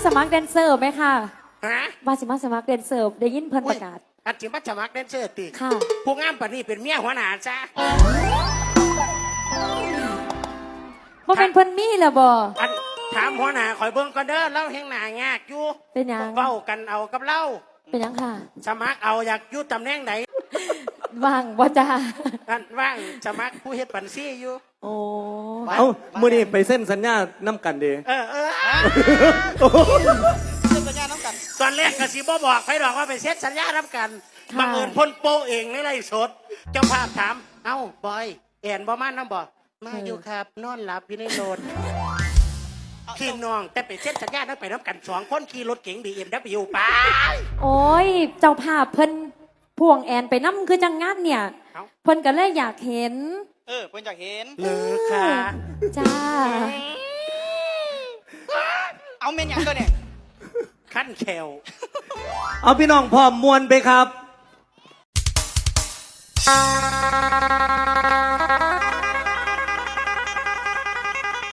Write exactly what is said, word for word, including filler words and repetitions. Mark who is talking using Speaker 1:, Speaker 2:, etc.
Speaker 1: สมัครแดนเซอร์ไหมค่ะ
Speaker 2: ฮะ
Speaker 1: ว่าสิมาสมัครแดนเซอร์ได้ยินเพิ่นประกาศ
Speaker 2: อันจิมาสมัครแดนเซอร์ติ
Speaker 1: ค่ะ
Speaker 2: ผู้งามปานนี้เป็นเมียหัวหน้าจ้า
Speaker 1: บ่เป็นเพิ่นมีแล้วบ่
Speaker 2: อันถามหัวหน้าคอยเบิ่งก่อนเด้อเล่าแห่งหน้ายากอยู่
Speaker 1: เป็นหยัง
Speaker 2: เว้ากันเอากับเล่า
Speaker 1: เป็นหยังค่ะ
Speaker 2: สมัครเอาอยากอยู่ตำแหน่งไหน
Speaker 1: ว่างบ่จ้า
Speaker 2: อันว่างสมัครผู้เฮ็ดบัญชีอยู่
Speaker 1: โอ้
Speaker 3: เอ้ามื้อนี้ไปเส้นสัญญาน้ำกันเด้
Speaker 2: เออเออ
Speaker 4: เซ็นสัญญาน้ำกัน
Speaker 2: ตอนแรกก็สิบ่บอกไผดอกว่าไปเซ็นสัญญานํกันบังเอิญพ่นโปเองในไร่สดเจ้าภาพถามเอ้าบอยแอนบ่มานำบ่มาอยู่ครับนอนหลับอยู่ในรถพี่น้องแต่ไปเซ็นสัญญานํไปนํกันสองคนขี่รถเก๋ง บี เอ็ม ดับเบิลยู ไป
Speaker 1: โอ้ยเจ้าภาพเพิ่นพ่วงแอนไปนำคือจังงานเนี่ยเพิ่นก็เลยอยากเห็น
Speaker 4: เออเพิ่นอยากเห็น
Speaker 2: เหลือค่ะ
Speaker 1: จ้า
Speaker 4: เอาเมนยังตัวเนี่ย
Speaker 2: ขั้นแขว
Speaker 3: เอาพี่น้องพร้อมมวนไปครับ